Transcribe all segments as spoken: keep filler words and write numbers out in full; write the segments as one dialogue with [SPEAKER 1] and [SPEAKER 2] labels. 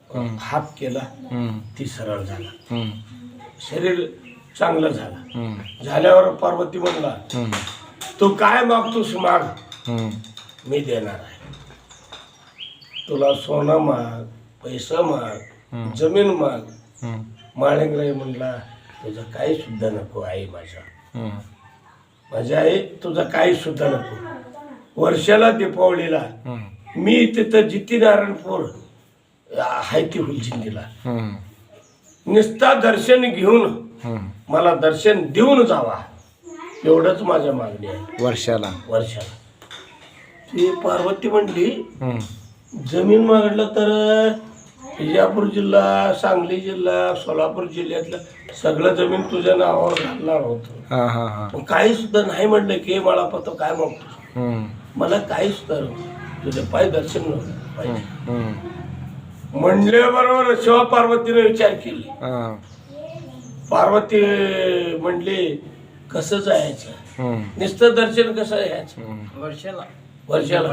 [SPEAKER 1] हात केला ती सरळ झाला, शरीर चांगलं झालं. झाल्यावर पार्वती म्हणला तू काय मागतोस माग, मी देणार आहे. तुला सोनं माग, पैसा माग, जमीन माग. माळिंगराय म्हणला तुझं काही सुद्धा नको आई, माझ्या माझ्या आई तुझं काही सुद्धा नको. वर्षाला दीपावलीला मी तिथं जितीनारायणपूर आहे ती हुलचिंदीला नुसता दर्शन घेऊन मला दर्शन देऊन जावा, एवढंच माझ्या मागणी आहे.
[SPEAKER 2] वर्षाला
[SPEAKER 1] वर्षाला ती पार्वती म्हणली जमीन मागलं तर विजापूर जिल्हा, सांगली जिल्हा, सोलापूर जिल्ह्यातलं सगळं जमीन तुझ्या नावावर घालणार होतं. काही सुद्धा नाही म्हणलं की मला पत्र काय मागतो, मला काही सुद्धा तुझे पाय दर्शन पाहिजे म्हणल्याबरोबर शिवा पार्वतीने विचार केली. पार्वती म्हणली कसं जायचं, नुसतं दर्शन कसं यायचं वर्षाला वर्षाला.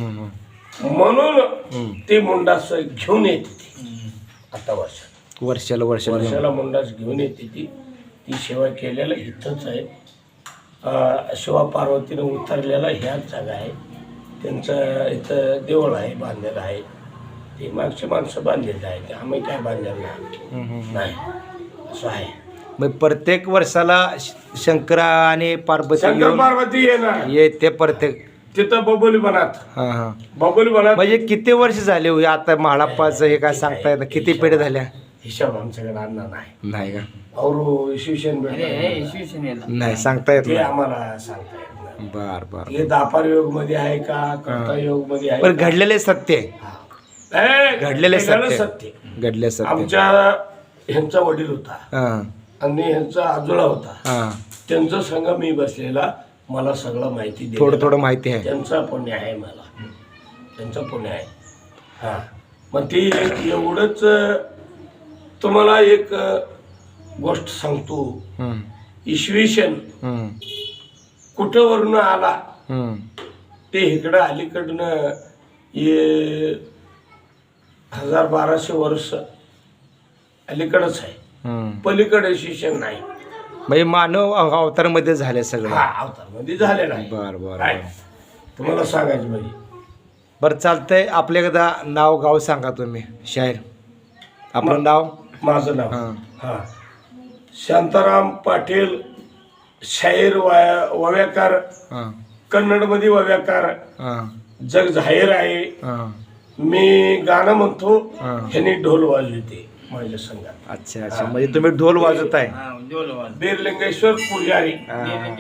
[SPEAKER 1] म्हणून ती मुंडास घेऊन येते ती आता वर्षाला
[SPEAKER 2] वर्षाला वर्षाला
[SPEAKER 1] वर्षाला मुंडास घेऊन येते ती. ती सेवा केलेला इथंच आहे. शिवा पार्वतीने उतरलेला ह्याच जागा आहे. त्यांचं इथं देवळ आहे, बांधलेलं आहे. ते मागची माणसं बांधलेलं आहे, ते आम्ही काय बांधलेलं नाही, असं आहे.
[SPEAKER 2] मग प्रत्येक वर्षाला शंकरा आणि पार्वती
[SPEAKER 1] शंकर पार्वती येणार
[SPEAKER 2] येते प्रत्येक
[SPEAKER 1] तिथं बबोली बनात.
[SPEAKER 2] हा हा
[SPEAKER 1] बबोली बनात
[SPEAKER 2] म्हणजे किती वर्ष झाले हो आता म्हाळाप्पाचं हे काय सांगता येतं, किती पिढ्या झाल्या?
[SPEAKER 1] हिशोब आमच्याकडे आणला नाही
[SPEAKER 2] नाही का?
[SPEAKER 1] और इसवीसन
[SPEAKER 2] नाही सांगता येत
[SPEAKER 1] ते
[SPEAKER 2] नाही.
[SPEAKER 1] आम्हाला सांगता येत नाही.
[SPEAKER 2] बर बर.
[SPEAKER 1] हे दापार योग मध्ये आहे का, कर्ता योग मध्ये आहे
[SPEAKER 2] पण
[SPEAKER 1] का?
[SPEAKER 2] घडलेले सत्य आहे.
[SPEAKER 1] ए,
[SPEAKER 2] घडलेले
[SPEAKER 1] घडलेलं
[SPEAKER 2] सत्य
[SPEAKER 1] सत्य.
[SPEAKER 2] घडले सत्य.
[SPEAKER 1] आमच्या ह्यांचा वडील होता
[SPEAKER 2] हा
[SPEAKER 1] आणि ह्यांचा आजोळा होता,
[SPEAKER 2] हा
[SPEAKER 1] त्यांचा संघ मी बसलेला, मला सगळं माहिती दे.
[SPEAKER 2] थोडं थोडं माहिती आहे.
[SPEAKER 1] त्यांचा पुण्य आहे, मला त्यांचं पुण्य आहे. हा मग ती एवढंच तुम्हाला एक गोष्ट सांगतो.
[SPEAKER 2] हम्म,
[SPEAKER 1] इसवी सन
[SPEAKER 2] हम्म,
[SPEAKER 1] कुठं वरून आला
[SPEAKER 2] हम्म,
[SPEAKER 1] ते इकडं अलीकडनं ये हजार बाराशे वर्ष अलीकडंच आहे,
[SPEAKER 2] हम्म.
[SPEAKER 1] पलीकडे शिक्षण नाही.
[SPEAKER 2] म्हणजे मानव अवतारमध्ये झाले सगळं.
[SPEAKER 1] हा अवतार मध्ये झालेला आहे.
[SPEAKER 2] बर बर
[SPEAKER 1] काय?
[SPEAKER 2] बर.
[SPEAKER 1] तुम्हाला सांगायचं म्हणजे
[SPEAKER 2] बरं चालतंय. आपल्या एकदा नाव गाव सांगा तुम्ही, शाहीर आपलं नाव.
[SPEAKER 1] माझं नाव
[SPEAKER 2] हां
[SPEAKER 1] हा शांताराम पाटील, शाहीर वाया वव्याकार,
[SPEAKER 2] हां
[SPEAKER 1] कन्नडमध्ये वव्याकार,
[SPEAKER 2] हां
[SPEAKER 1] जग जाहीर आहे.
[SPEAKER 2] हां.
[SPEAKER 1] मी गाणं म्हणतो,
[SPEAKER 2] हां.
[SPEAKER 1] ह्यांनी ढोल वाजवते माझ्या संघात.
[SPEAKER 2] अच्छा अच्छा. म्हणजे तुम्ही ढोल वाजवताय.
[SPEAKER 1] बीरलिंगेश्वर पुजारी,
[SPEAKER 2] हां.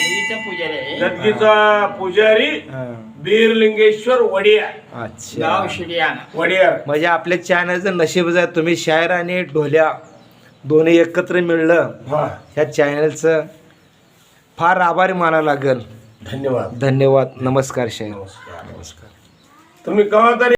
[SPEAKER 1] गदगीचा पुजारी
[SPEAKER 2] हां.
[SPEAKER 1] बीरलिंगेश्वर वडिया
[SPEAKER 2] अच्छा.
[SPEAKER 1] वडियार.
[SPEAKER 2] म्हणजे आपल्या चॅनलचं नशीबच आहे, तुम्ही शायर आणि ढोल्या दोन्ही एकत्र मिळलं.
[SPEAKER 1] हा
[SPEAKER 2] ह्या चॅनलचं फार आभारी मानावं लागेल.
[SPEAKER 1] धन्यवाद.
[SPEAKER 2] धन्यवाद. नमस्कार शाहीर.
[SPEAKER 1] नमस्कार.
[SPEAKER 2] नमस्कार.
[SPEAKER 1] तुम्ही केव्हा तरी